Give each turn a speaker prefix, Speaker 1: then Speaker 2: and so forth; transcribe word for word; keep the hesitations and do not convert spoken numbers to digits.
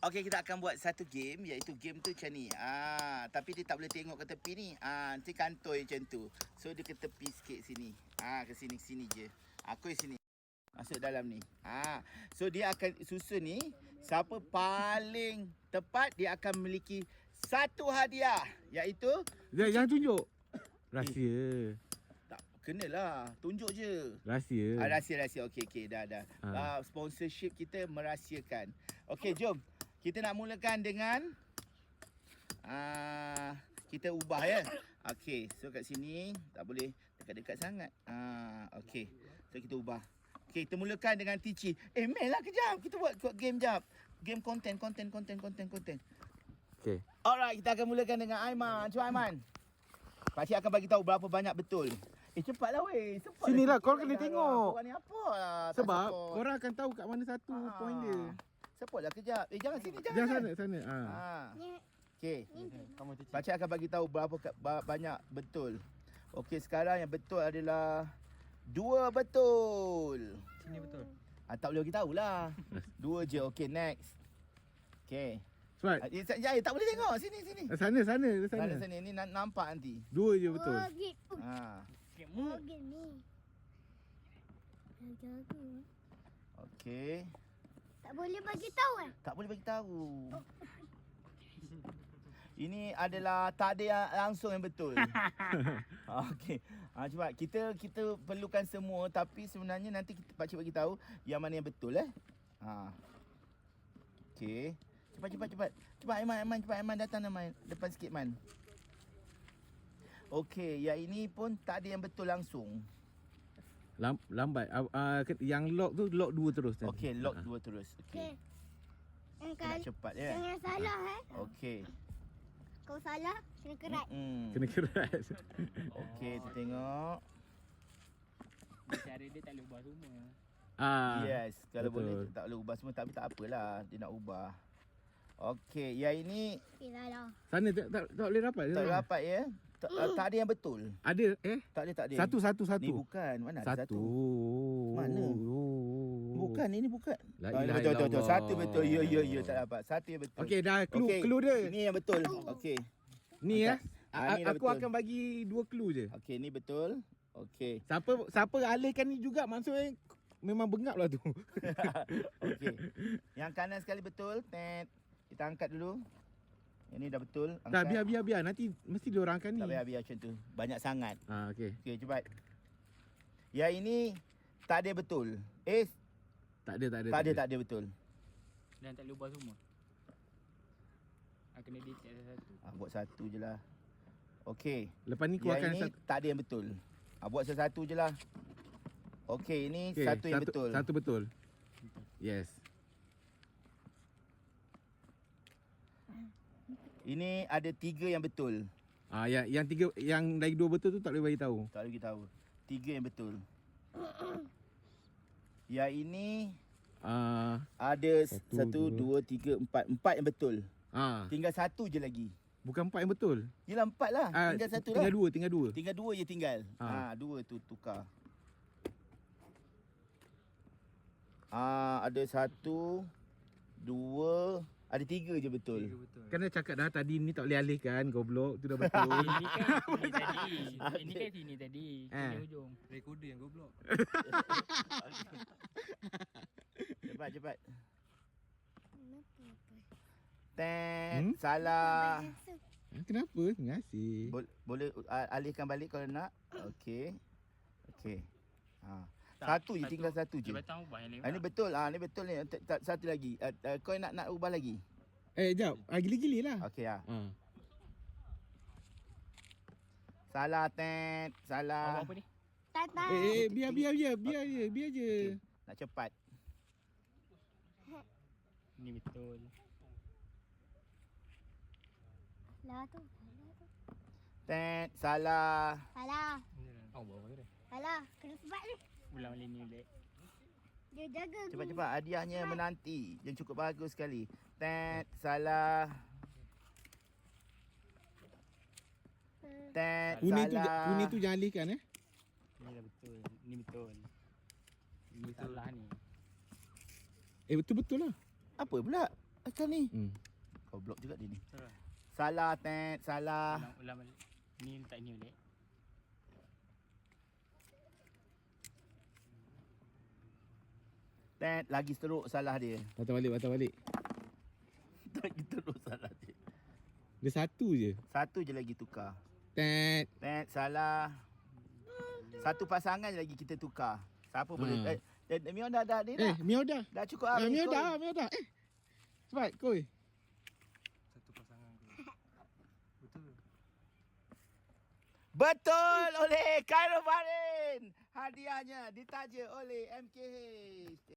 Speaker 1: Okey, kita akan buat satu game, iaitu game tu macam ni. Ah, tapi dia tak boleh tengok ke tepi ni. Ah, nanti kantoi macam tu. So dia ke tepi sikit sini. Ah, ke sini sini je. Aku di sini. Masuk dalam ni. Ah, so dia akan susun ni, siapa paling tepat dia akan memiliki satu hadiah, iaitu
Speaker 2: Jangan, jangan tunjuk. Rahsia.
Speaker 1: tak kenalah, tunjuk je.
Speaker 2: Rahsia.
Speaker 1: Ah, rahsia-rahsia. Okey, okey, dah dah.
Speaker 2: Ha.
Speaker 1: Ah, sponsorship kita merahsiakan. Okey, jom. Kita nak mulakan dengan ah kita ubah ya. Okey, so kat sini tak boleh dekat-dekat sangat. Ah, okey. So kita ubah. Okey, kita mulakan dengan Tici. Eh, main lah kejap. Kita buat, buat game jap. Game konten, konten, konten, konten, konten.
Speaker 2: Okey.
Speaker 1: Alright, kita akan mulakan dengan Aiman. Cuba Aiman. Pakcik akan bagi tahu berapa banyak betul. Eh, cepatlah weh. Cepat.
Speaker 2: Sinilah, kau kena tengok.
Speaker 1: Korang ni apa lah. Tak
Speaker 2: Sebab
Speaker 1: support.
Speaker 2: korang akan tahu kat mana satu
Speaker 1: Ah.
Speaker 2: point dia.
Speaker 1: Support lah kejap. Eh, jangan sini, jangan.
Speaker 2: Jangan sana, sana. Ha.
Speaker 1: Ha.
Speaker 3: Ni,
Speaker 1: Okey.
Speaker 3: ni.
Speaker 1: Pakcik akan bagi tahu berapa ba- banyak betul. Okey, sekarang yang betul adalah dua betul.
Speaker 4: Sini betul.
Speaker 1: Ah, tak boleh bagi tahulah. Dua je. Okey, next. Okey.
Speaker 2: Cepat.
Speaker 1: Ah, eh, ya, tak boleh tengok. Sini, sini.
Speaker 2: Sana, sana, sana.
Speaker 1: Sana, sini. Ni na- nampak nanti.
Speaker 2: Dua je betul.
Speaker 3: Oh, gitu.
Speaker 1: Ha.
Speaker 3: Oh, gini. Jaga.
Speaker 1: Okey.
Speaker 3: Tak boleh bagi tahu eh?
Speaker 1: Tak boleh bagi tahu. Ini adalah tak ada yang langsung yang betul. Okey. Ha, cuba kita kita perlukan semua, tapi sebenarnya nanti kita pakcik bagi tahu yang mana yang betul eh. Ha. Okey. Cepat cepat cepat. Cepat Aiman Aiman cepat Aiman datang Aiman. Depan sikit Man. Okey, yang ini pun tak ada yang betul langsung.
Speaker 2: Lam, lambat. Uh, uh, yang lock tu lock dua terus. tadi.
Speaker 1: Okey, lock
Speaker 2: Ha.
Speaker 1: dua terus.
Speaker 3: Okey.
Speaker 1: Okey.
Speaker 3: Yang
Speaker 1: Kena
Speaker 3: kali
Speaker 1: cepat ya.
Speaker 3: jangan salah eh.
Speaker 1: Okey.
Speaker 3: Kau salah, kena kerat.
Speaker 1: Hmm.
Speaker 2: Kena keras.
Speaker 1: Okey, kita tengok.
Speaker 4: Cara dia tak boleh ubah semua.
Speaker 2: Ah.
Speaker 1: Yes, kalau
Speaker 2: betul.
Speaker 1: boleh tak boleh ubah semua, tapi tak apalah, dia nak ubah. Okey, yang ini
Speaker 3: Okey, salah.
Speaker 2: Sana tak, tak, tak boleh rapat.
Speaker 1: tak
Speaker 2: sana.
Speaker 1: rapat ya. Tak, tak ada yang betul.
Speaker 2: Ada eh?
Speaker 1: Tak ada, tak ada.
Speaker 2: Satu, satu,
Speaker 1: Ni
Speaker 2: satu.
Speaker 1: bukan. Mana ada
Speaker 2: Satu.
Speaker 1: satu? Mana?
Speaker 2: Oh.
Speaker 1: Bukan, ini bukan.
Speaker 2: La
Speaker 1: Ah,
Speaker 2: ilaha
Speaker 1: betul, betul, betul.
Speaker 2: illallah.
Speaker 1: Satu betul. Ya, ya, ya, tak dapat. Satu yang betul.
Speaker 2: Okey, dah clue,
Speaker 1: Okey,
Speaker 2: clue dia.
Speaker 1: Ini yang betul. Okey.
Speaker 2: Ni ya.
Speaker 1: Ah, ni dah
Speaker 2: Aku
Speaker 1: betul.
Speaker 2: akan bagi dua clue je.
Speaker 1: Okey, ni betul. Okey.
Speaker 2: Siapa siapa alihkan ni juga maksudnya memang bengap lah tu.
Speaker 1: Okey. Yang kanan sekali betul. Tet. Kita angkat dulu. Yang ni dah betul. Angkat.
Speaker 2: Dah biar biar biar nanti mesti dia orang akan ni.
Speaker 1: Tak payah biar macam tu. Banyak sangat.
Speaker 2: Ah okey.
Speaker 1: Okey, cepat. Yang ini tak ada betul. Eh,
Speaker 2: Tak ada tak ada.
Speaker 1: tak ada, tak ada betul.
Speaker 4: Dan tak boleh ubah semua. Ah, kena detect satu-satu.
Speaker 1: Ah, buat satu je lah. Okey.
Speaker 2: Lepas ni kau
Speaker 1: Yang
Speaker 2: akan
Speaker 1: ini
Speaker 2: satu,
Speaker 1: tak ada yang betul. Ah, buat satu je lah. Okey, ini
Speaker 2: okay,
Speaker 1: satu yang betul.
Speaker 2: Satu betul. Yes.
Speaker 1: Ini ada tiga yang betul.
Speaker 2: Ah yang yang tiga yang dari dua betul tu tak boleh bagi tahu.
Speaker 1: Tak boleh kita tahu. Tiga yang betul. Yang ini
Speaker 2: Ah
Speaker 1: ada
Speaker 2: Satu,
Speaker 1: satu,
Speaker 2: dua.
Speaker 1: dua, tiga, empat. Empat yang betul.
Speaker 2: ah
Speaker 1: Tinggal satu je lagi.
Speaker 2: bukan empat yang betul.
Speaker 1: Yelah empat lah.
Speaker 2: Ah
Speaker 1: Tinggal satu
Speaker 2: tinggal
Speaker 1: lah.
Speaker 2: dua, tinggal dua.
Speaker 1: Tinggal dua je tinggal.
Speaker 2: Ah.
Speaker 1: Ha, dua tu tukar. Ah, ada satu, dua, ada tiga je betul.
Speaker 4: Tiga betul.
Speaker 2: Kena cakap dah tadi ni tak boleh alihkan goblok tu dah betul.
Speaker 4: Ini kan sini tadi. Ini kan sini tadi.
Speaker 2: Ah.
Speaker 4: Sini hujung.
Speaker 5: Recorder yang goblok.
Speaker 1: Cepat cepat.
Speaker 3: Kenapa apa?
Speaker 1: Tet,
Speaker 2: Hmm?
Speaker 1: salah.
Speaker 2: Kenapa? Terima kasih.
Speaker 1: Bo- boleh uh, alihkan balik kalau nak. Okey. Okey. Ha.
Speaker 4: Tak,
Speaker 1: Satu je, tinggal satu je.
Speaker 4: Jabatan ubah yang lain.
Speaker 1: Ah, ini betul. Ah, ni betul ni. T- t- Satu lagi. Uh, uh, kau nak nak ubah lagi?
Speaker 2: Eh jap, ah, gili-gili lah.
Speaker 1: Okey ah.
Speaker 2: Ah.
Speaker 1: Salah Tet.
Speaker 4: Awak
Speaker 1: Salah.
Speaker 4: apa ni?
Speaker 3: Tak tak.
Speaker 2: Eh, eh biar biar biar biar je, biar je.
Speaker 1: Okey. Nak cepat.
Speaker 4: Ini betul.
Speaker 3: Salah tu. Salah tu.
Speaker 1: Tet, salah.
Speaker 3: Salah.
Speaker 4: Awak buat apa dia?
Speaker 3: Salah. Kena sebab ni.
Speaker 4: Ulang balik ni balik.
Speaker 3: Dia jaga.
Speaker 1: Cepat-cepat. Hadiahnya menanti. Yang cukup bagus sekali. Tet, salah. Tet,
Speaker 2: Kuning tu
Speaker 1: salah.
Speaker 2: kuning tu jangan alihkan eh.
Speaker 4: Ini dah betul. Ini betul. Ini salah ni.
Speaker 2: Eh betul-betul lah.
Speaker 1: Apa pula? Macam ni.
Speaker 2: Hmm.
Speaker 1: Kau block juga dia ni.
Speaker 4: Salah.
Speaker 1: Salah, Ted. Salah.
Speaker 4: Ulang, ulang balik. Ni letak ni balik.
Speaker 1: Ted, lagi teruk salah dia.
Speaker 2: Patah balik, patah balik.
Speaker 1: Lagi teruk salah dia.
Speaker 2: Dia satu je.
Speaker 1: Satu je lagi tukar.
Speaker 2: Tet.
Speaker 1: Ted, salah. Satu pasangan je lagi kita tukar. Siapa boleh?
Speaker 2: Ha.
Speaker 1: Eh, eh, Mion dah, dah, ni
Speaker 2: Eh,
Speaker 1: dah.
Speaker 2: Mio dah.
Speaker 1: Dah cukup
Speaker 2: Ah,
Speaker 1: habis.
Speaker 2: Mio
Speaker 1: koi.
Speaker 2: dah, Mio dah. Eh. Cepat, koi.
Speaker 4: Satu pasangan tu. Betul.
Speaker 1: Betul oleh Khairul Farin. Hadiahnya ditaja oleh M K H.